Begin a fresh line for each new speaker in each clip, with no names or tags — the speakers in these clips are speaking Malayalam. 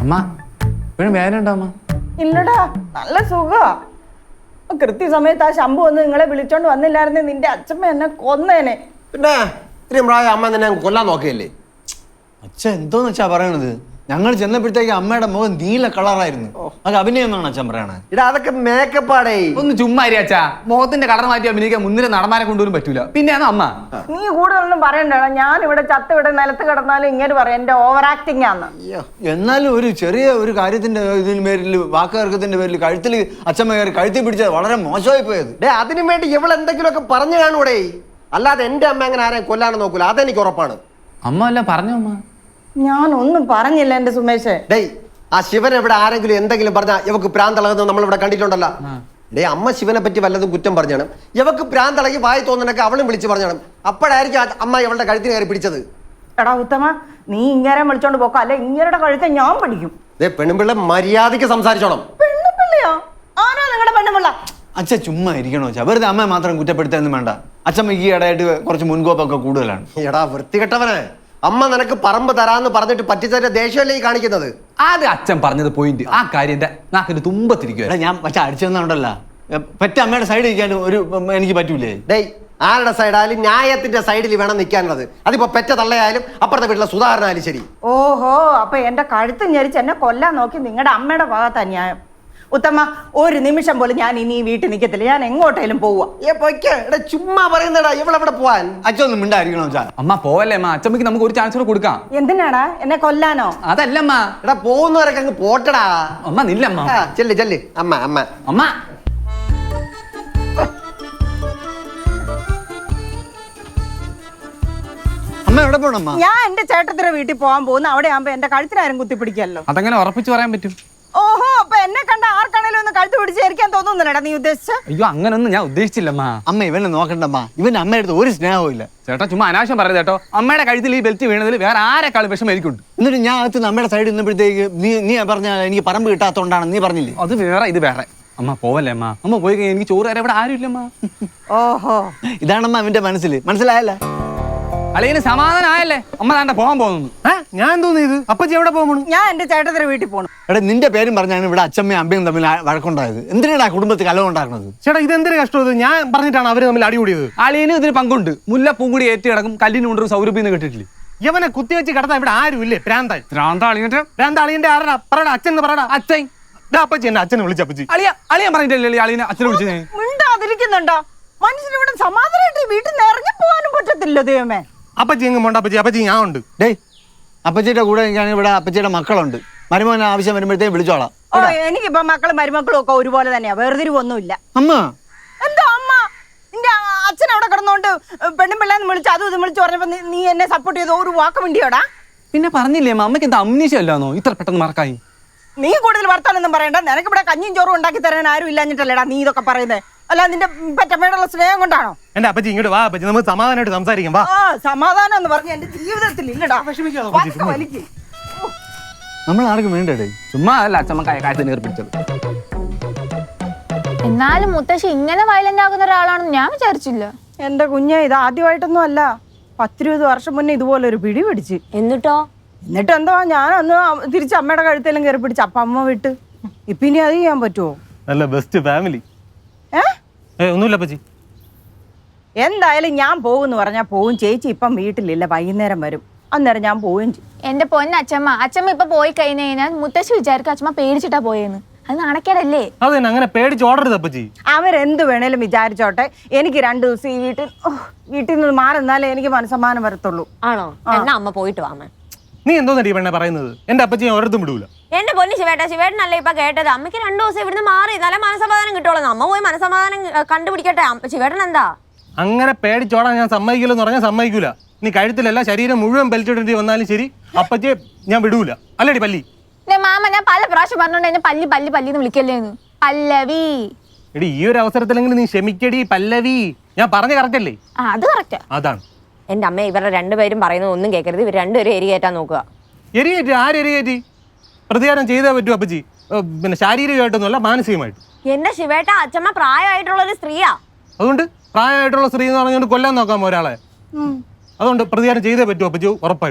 അമ്മ ഇപ്പോഴും വേദന ഉണ്ടോ അമ്മ?
ഇല്ലടാ, നല്ല സുഖമാ. കൃത്യസമയത്ത് ആ ശംഭു വന്ന് നിങ്ങളെ വിളിച്ചോണ്ട് വന്നില്ലായിരുന്നു, നിന്റെ അച്ഛമ്മ എന്നെ കൊന്നേനെ.
പിന്നെ ഇത്രയും പ്രായം അമ്മ നിന്നെ കൊല്ലാൻ നോക്കിയല്ലേ?
അച്ഛൻ എന്തോന്ന് വെച്ചാ പറയണത്? ഞങ്ങൾ ചെന്നപ്പോഴത്തേക്ക് അമ്മയുടെ മുഖം നീല കളറായിരുന്നു. അത് അഭിനയം എന്നാണ് അച്ഛൻ പറയണത്.
ഇടാ അതൊക്കെ മേക്കപ്പാടേ.
ഒന്ന് ചുമ്മാ അച്ഛാ, മുഖത്തിന്റെ കളർ മാറ്റി അഭിനയിക്കാൻ മുന്നിലെ നടന്മാരെ കൊണ്ടുവരും പറ്റൂല. പിന്നെയാണ് അമ്മ.
നീ കൂടുതലൊന്നും പറയണ്ടടാ. ഞാൻ ഇവിടെ ഇവിടെ നിലത്ത് കിടന്നാലും ഇങ്ങനെ പറയാം എന്റെ ഓവർ ആക്ടിങ് ആണ്.
എന്നാലും ഒരു ചെറിയ ഒരു കാര്യത്തിന്റെ ഇതിന് പേരിൽ വാക്കുകർക്കത്തിന്റെ പേരിൽ കഴുത്തിൽ അച്ഛമ്മ കയറി കഴുത്തി പിടിച്ചത് വളരെ മോശമായി പോയത്.
അതിനു വേണ്ടി ഇവളെന്തെങ്കിലുമൊക്കെ പറഞ്ഞു കാണൂടെ? അല്ലാതെ എന്റെ അമ്മ അങ്ങനെ ആരെയും കൊല്ലാനും നോക്കൂല, അതെനിക്ക് ഉറപ്പാണ്.
അമ്മ അല്ല പറഞ്ഞു അമ്മ.
ഞാനൊന്നും പറഞ്ഞില്ല എന്റെ സുമേഷേ.
ആ ശിവൻ എവിടെ ആരെങ്കിലും എന്തെങ്കിലും പറഞ്ഞാൽ ഇവക്ക് പ്രാന്തളകുന്നത് നമ്മളിവിടെ കണ്ടിട്ടുണ്ടല്ലോ. അമ്മ ശിവനെ പറ്റി വല്ലതും കുറ്റം പറഞ്ഞാണ്, ഇവക്ക് പ്രാന്തളകി വായി തോന്നുന്നൊക്കെ അവളും വിളിച്ച് പറഞ്ഞാണ്. അപ്പോഴായിരിക്കും അമ്മ ഇവളുടെ കഴുത്തിന് കയറി പിടിച്ചത്.
എടാ ഉത്തമ, നീ ഇങ്ങനെ വിളിച്ചോണ്ട് പോക്കോ, അല്ലെ ഇങ്ങരുടെ കഴുത്തെ ഞാൻ പിടിക്കും.
പെണ്ണുപിള്ള മര്യാദയ്ക്ക് സംസാരിച്ചോണം.
പെണ്ണുപിള്ളയോ? ആരാ നിങ്ങളുടെ പെണ്ണുപിള്ള?
അച്ഛൻ ചുമ്മാ ഇരിക്കണോ വെച്ചാ? വെറുതെ അമ്മ മാത്രം കുറ്റപ്പെടുത്താനൊന്നും വേണ്ട. അച്ഛമ്മ ഈ ഇടയായിട്ട് കുറച്ച് മുൻകോപ്പൊക്കെ കൂടുതലാണ്.
എടാ വൃത്തികെട്ടവനെ, അമ്മ നിനക്ക് പറമ്പ് തരാന്ന് പറഞ്ഞിട്ട് പറ്റിച്ചതിന്റെ ദേഷ്യമല്ലേ ഈ കാണിക്കുന്നത്?
അത് അച്ഛൻ പറഞ്ഞത് പോയിന്റ്. ആ കാര്യം എന്റെ നാക്കിന്റെ തുമ്പത്തിരിക്കുക.
ഞാൻ പക്ഷെ അടിച്ചെന്നുണ്ടല്ല, പെറ്റ അമ്മയുടെ സൈഡ് ഇരിക്കാൻ ഒരു എനിക്ക് പറ്റൂലേ.
ആരുടെ സൈഡായാലും ന്യായത്തിന്റെ സൈഡിൽ വേണം നിൽക്കാനുള്ളത്. അതിപ്പോ പെറ്റ തള്ളയായാലും അപ്പുറത്തെ വീട്ടിലെ സുധാകരനായാലും ശരി.
ഓഹോ, അപ്പൊ എന്റെ കഴുത്ത് ഞെരിച്ച് എന്നെ കൊല്ലാൻ നോക്കി നിങ്ങളുടെ അമ്മയുടെ ഭാഗത്താ ന്യായം. ഉത്തമ, ഒരു നിമിഷം പോലും ഞാൻ ഇനി വീട്ടിൽ നിൽക്കത്തില്ല. ഞാൻ എങ്ങോട്ടേലും പോവാ.
ചുമ്മാ പറയുന്നടാ, ഇവളെവിടെ പോവാൻ?
അച്ഛനൊന്നും മിണ്ടായിരിക്കണോ വെച്ചാ?
അമ്മ പോവല്ലേ അമ്മ, അച്ഛമ്മക്ക് നമുക്ക് ഒരു ചാൻസ് കൂടെ കൊടുക്കാം.
എന്തിനാടാ? എന്നെ കൊല്ലാനോ?
അതല്ലമ്മ.
എടാ പോകുന്നവരൊക്കെ അങ്ങ് പോട്ടടാ.
അമ്മ നില്ലമ്മ.
ചെല്ല് ചെല്ല് അമ്മ അമ്മ
അമ്മ.
അമ്മ എവിടെ പോണമ്മ?
ഞാൻ എന്റെ ചേട്ടത്തിന്റെ വീട്ടിൽ പോകാൻ പോകുന്നു. അവിടെ ആകുമ്പോ എന്റെ കഴുത്തിനാരും കുത്തിപ്പിടിക്കല്ലോ.
അതങ്ങനെ ഉറപ്പിച്ച് പറയാൻ പറ്റും?
ഓഹോ, അപ്പൊ എന്നെ കണ്ട ആർക്കാണേലും ഒന്ന് കഴുത്ത് പിടിച്ചേരിക്കാൻ തോന്നുന്നില്ലടാ നീ ഉദ്ദേശിച്ച?
അയ്യോ അങ്ങനൊന്നും ഞാൻ ഉദ്ദേശിച്ചില്ലമ്മ.
അമ്മ ഇവനെ നോക്കണ്ടമ്മ, ഇവൻ അമ്മയുടെ അടുത്ത് ഒരു സ്നേഹവും ഇല്ല.
ചേട്ടാ ചുമ്മാ അനാവശ്യം പറയുന്നത് കേട്ടോ. അമ്മയുടെ കഴുത്തിൽ ഈ ബെൽറ്റ് വീണതിൽ വേറെ ആരെക്കാളും വിഷമം എനിക്കുണ്ട്.
എന്നിട്ട് ഞാൻ അകത്ത് നമ്മുടെ സൈഡിൽ നിന്നപ്പോഴത്തേക്ക് നീ പറഞ്ഞ എനിക്ക് പറമ്പ് കിട്ടാത്തോണ്ടാണ് നീ പറഞ്ഞില്ലേ?
അത് വേറെ ഇത് വേറെ. അമ്മ പോവല്ലേ അമ്മ. അമ്മ പോയി കഴിഞ്ഞാൽ എനിക്ക് ചോറ് തരാൻ ഇവിടെ ആരും ഇല്ലമ്മ.
ഓഹോ,
ഇതാണമ്മ അവന്റെ മനസ്സിൽ. മനസ്സിലായല്ല?
അളിയന് സമാധാനമായല്ലേ? അമ്മ താണ്ട പോകാൻ പോകുന്നു.
ഞാൻ തോന്നിയത് അപ്പച്ചി എവിടെ പോകണം?
ഞാൻ എന്റെ ചേട്ടത്തിന്റെ വീട്ടിൽ പോകണം.
എടാ നിന്റെ പേരും പറഞ്ഞാണ് ഇവിടെ അച്ഛമ്മയും അമ്മയും തമ്മിൽ വഴക്കുണ്ടായത്. എന്തിനാണ് കുടുംബത്തിൽ കലഹം ഉണ്ടാക്കുന്നത്?
ചേട്ടാ ഇതെന്തൊരു കഷ്ടം. ഞാൻ പറഞ്ഞിട്ടാണ് അവര് തമ്മിൽ അടികൂടിയത്.
അളിയനും ഇതിന് പങ്കുണ്ട്. മുല്ലപ്പൂ കൂടി ഏറ്റി കിടക്കും കല്ലിന് കൊണ്ടൊരു സൗരഭ്യം കേട്ടിട്ടില്ലേ?
യവനെ കുത്തിവെച്ച് കിടത്താൻ ഇവിടെ ആരും ഇല്ലേ?
പ്രാന്താളിയന്റെ
ആരാ? പറയടാ, അച്ഛൻ പറയടാ.
അച്ഛൻ
അപ്പച്ചി എന്നെ അച്ഛനെ വിളിച്ചപ്പച്ചി.
അളിയൻ പറഞ്ഞിട്ടല്ലേ അളിയനെ അച്ഛനെ വിളിച്ചത്?
മിണ്ടാതിരിക്കുന്നുണ്ടോ? മനുഷ്യനിവിടെ സമാധാനമായിട്ട് വീട്ടിൽ നിന്ന് ഇറങ്ങി പോകാനും പറ്റത്തില്ല ദൈവമേ.
അപ്പച്ചി എങ്ങും പോണ്ട അപ്പച്ചി, അപ്പച്ചി ഞാൻ ഉണ്ട്.
അപ്പച്ചിയുടെ കൂടെ ഇവിടെ അപ്പച്ചിയുടെ മക്കളുണ്ട്. മരുമോന് ആവശ്യം വരുമ്പോഴത്തേക്ക് വിളിച്ചോളാം.
ഓ, എനിക്കിപ്പോ മക്കളും മരുമക്കളും ഒക്കെ ഒരുപോലെ തന്നെയാ, വേർതിരിവൊന്നുമില്ല.
അമ്മ
എന്താ അമ്മ? നിന്റെ അച്ഛൻ അവിടെ കിടന്നോണ്ട് പെണ്ണും പിള്ളേന്ന് വിളിച്ച് അതും ഇതും വിളിച്ച് പറഞ്ഞപ്പോ നീ എന്നെ സപ്പോർട്ട് ചെയ്തോ? ഒരു വാക്ക് വേണ്ടിയോടാ?
പിന്നെ പറഞ്ഞില്ലേ അമ്മയ്ക്ക് എന്താ അമ്നീഷ്യം അല്ലാന്നോ ഇത്ര പെട്ടെന്ന് മറക്കായി?
നീ കൂടുതൽ വർത്താനൊന്നും പറയണ്ട. നിനക്ക് ഇവിടെ കഞ്ഞിയും ചോറും ഉണ്ടാക്കി തരാൻ ആരും ഇല്ലാഞ്ഞിട്ടല്ലേടാ നീ ഇതൊക്കെ പറയുന്നത്? അല്ല നിന്റെ പെറ്റമ്മയോടുള്ള സ്നേഹം കൊണ്ടാണോ?
എന്റെ അപ്പച്ചി ഇങ്ങോട്ട് വാ അപ്പച്ചി, നമുക്ക് സമാധാനമായിട്ട് സംസാരിക്കാം. വാ.
സമാധാനം എന്ന് പറഞ്ഞ എന്റെ ജീവിതത്തിൽ ഇല്ലടാ.
നമ്മൾ ആർക്കും വേണ്ടേ?
ചുമ്മാ അല്ല അച്ഛമ്മ കാര്യത്തിന് ഏർപ്പിച്ചത്.
എന്നാലും മുത്തശ്ശി ഇങ്ങനെ വയലന്റ് ആകുന്ന ഒരാളാണെന്ന് ഞാൻ വിചാരിച്ചില്ല.
എന്റെ കുഞ്ഞെ, ഇത് ആദ്യമായിട്ടൊന്നും അല്ല. 10-20 വർഷം മുന്നേ ഇതുപോലെ ഒരു പിടി പിടിച്ച്.
എന്നിട്ടോ?
എന്നിട്ട് എന്താ, ഞാൻ അന്ന് തിരിച്ച് അമ്മയുടെ കഴുത്തേലും കയറി പിടിച്ച്. അപ്പൊ അമ്മ വിട്ട്. ഇപ്പൊ ഇനി അത് ചെയ്യാൻ പറ്റുമോ?
നല്ല ബെസ്റ്റ് ഫാമിലി. ഒന്നുമില്ല അപ്പച്ചി.
എന്തായാലും ഞാൻ പോകുമെന്ന് പറഞ്ഞാൽ പോവും. ചേച്ചി ഇപ്പം വീട്ടിലില്ല, വൈകുന്നേരം വരും. അന്നേരം ഞാൻ പോവുകയും ചെയ്യും.
എന്റെ പൊന്ന അച്ഛമ്മ ഇപ്പൊ പോയി കഴിഞ്ഞു കഴിഞ്ഞാൽ മുത്തശ്ശി വിചാരിക്കും അച്ഛമ്മ പേടിച്ചിട്ടാ പോയെന്ന്. അത് നാണക്കേടല്ലേ?
അതെ, അങ്ങനെ പേടിച്ച് ഓടരുത് അപ്പച്ചി.
അവരെന്ത് വേണേലും വിചാരിച്ചോട്ടെ. എനിക്ക് 2 ദിവസം ഈ വീട്ടിൽ നിന്ന് മാറുന്നാലേ എനിക്ക് മനസ്സമാനം വരത്തുള്ളൂ.
ആണോ? എന്നാ അമ്മ പോയിട്ട് വാമ.
നീ എന്തോന്നടി പെണ്ണെ പറയുന്നത്? എന്റെ അപ്പച്ചി ഒരിടത്തും വിടൂല.
എന്റെ പൊന്നി ശിവേട്ടനല്ലേ ഇപ്പൊ കേട്ടത്. അമ്മയ്ക്ക് 2 ദിവസം ഇവിടുന്ന് മാറി നല്ല മനസമാധാനം കിട്ടുള്ളൂ. അമ്മ പോയി മനസമാധാനം കണ്ടുപിടിക്കട്ടെ. ശിവേട്ടൻ എന്താ
അങ്ങനെ പേടിച്ചോടാൻ ഞാൻ സമ്മതിക്കില്ലെന്ന് പറഞ്ഞാൽ സമ്മതിക്കൂല. നീ കഴുത്തിലല്ല ശരീരം മുഴുവൻ ബെൽറ്റിടേണ്ടി വന്നാലും ശരി, അപ്പച്ചിയെ ഞാൻ വിടൂല. അല്ലേടി പല്ലി?
മാമ ഞാൻ പല പ്രാവശ്യം പറഞ്ഞോണ്ട് എന്നെ പല്ലി പല്ലി പല്ലിന്ന് വിളിക്കല്ലേന്ന്. പല്ലവി.
എടി ഈ ഒരു അവസരത്തിലെങ്കിലും നീ ക്ഷമിക്കടി പല്ലവി. ഞാൻ പറഞ്ഞ കറക്റ്റ് അല്ലേ?
അത് കറക്റ്റാ.
അതാണ്
എന്റെ അമ്മ. ഇവരുടെ 2 പേരും പറയുന്നത് ഒന്നും കേൾക്കരുത്. ഇവർ 2 പേരും എരികേറ്റാൻ നോക്കുക.
എരികേറ്റി? ആരെരികേറ്റി? പ്രതികാരം ചെയ്തേ പറ്റൂ അപ്പച്ചി. പിന്നെ ശാരീരികമായിട്ടൊന്നുമല്ല, മാനസികമായിട്ട്.
എന്റെ ശിവേട്ട, അച്ഛമ്മ പ്രായമായിട്ടുള്ള ഒരു സ്ത്രീയാ.
അതുകൊണ്ട് പ്രായമായിട്ടുള്ള സ്ത്രീ എന്ന് പറഞ്ഞുകൊണ്ട് കൊല്ലാൻ നോക്കാമോ ഒരാളെ? അതുകൊണ്ട് പ്രതികാരം ചെയ്തേ പറ്റൂ അപ്പച്ചി, ഉറപ്പായിട്ടും.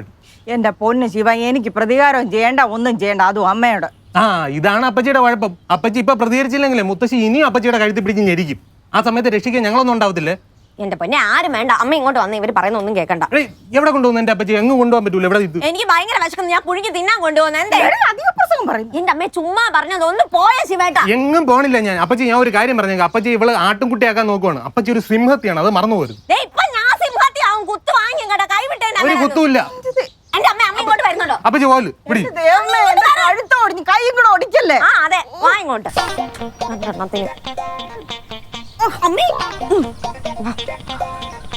എന്റെ പൊന്ന് ശിവ, എനിക്ക് പ്രതികാരം ചെയ്യേണ്ട, ഒന്നും ചെയ്യേണ്ട, അതും അമ്മയോട്.
ആ ഇതാണ് അപ്പച്ചിയുടെ കുഴപ്പം. അപ്പച്ചി ഇപ്പൊ പ്രതികരിച്ചില്ലെങ്കിലേ മുത്തശ്ശി ഇനിയും അപ്പച്ചിയുടെ കഴുത്തി പിടിച്ച് ഞെരിക്കും. ആ സമയത്ത് രക്ഷിക്കാൻ ഞങ്ങളൊന്നും ഉണ്ടാവത്തില്ലേ?
എന്റെ പൊന്നെ ആരും വേണ്ട, അമ്മ ഇങ്ങോട്ട് വന്ന് ഇവര് പറയുന്ന ഒന്നും കേൾക്കണ്ട.
എവിടെ കൊണ്ടുപോകുന്നു എന്റെ അപ്പച്ചി? എങ്ങും കൊണ്ടുപോകാൻ പറ്റൂല. ഇവിടെ ഇത്
എനിക്ക് ഭയങ്കര വിശക്കുന്നു, ഞാൻ പുഴുങ്ങി തിന്നാൻ കൊണ്ടുപോകുന്ന എന്തേ?
അധിക പ്രസംഗം പറയും.
എന്റെ അമ്മയെ ചുമ്മാ പറഞ്ഞത് ഒന്ന് പോയ ശിവേട്ടാ.
എങ്ങും പോണില്ല ഞാൻ. അപ്പച്ചി ഞാൻ ഒരു കാര്യം പറഞ്ഞേക്കാം. അപ്പച്ചി ഇവള് ആട്ടുംകുട്ടിയാക്കാൻ നോക്കുവാണ്. അപ്പച്ചി ഒരു സിംഹത്തിയാണ്, അത് മറന്നു പോരും.
ഇപ്പൊ ഞാൻ സിംഹത്തിയാവും, കുത്തു വാങ്ങി കേട്ടോ, കൈവിട്ടേ.
ഒരു കുത്തുമില്ല.
എന്റെ അമ്മ ഇങ്ങോട്ട് വരുന്നുണ്ടോ?
അപ്പച്ചി പോല് പിടി.
ദൈവമേ, എന്റെ കഴുത്തോടിഞ്ഞ് കൈ കൂടെ ഒടിക്കല്ലേ.
ആ അതെ, വാ ഇങ്ങോട്ട്. അമ്മേ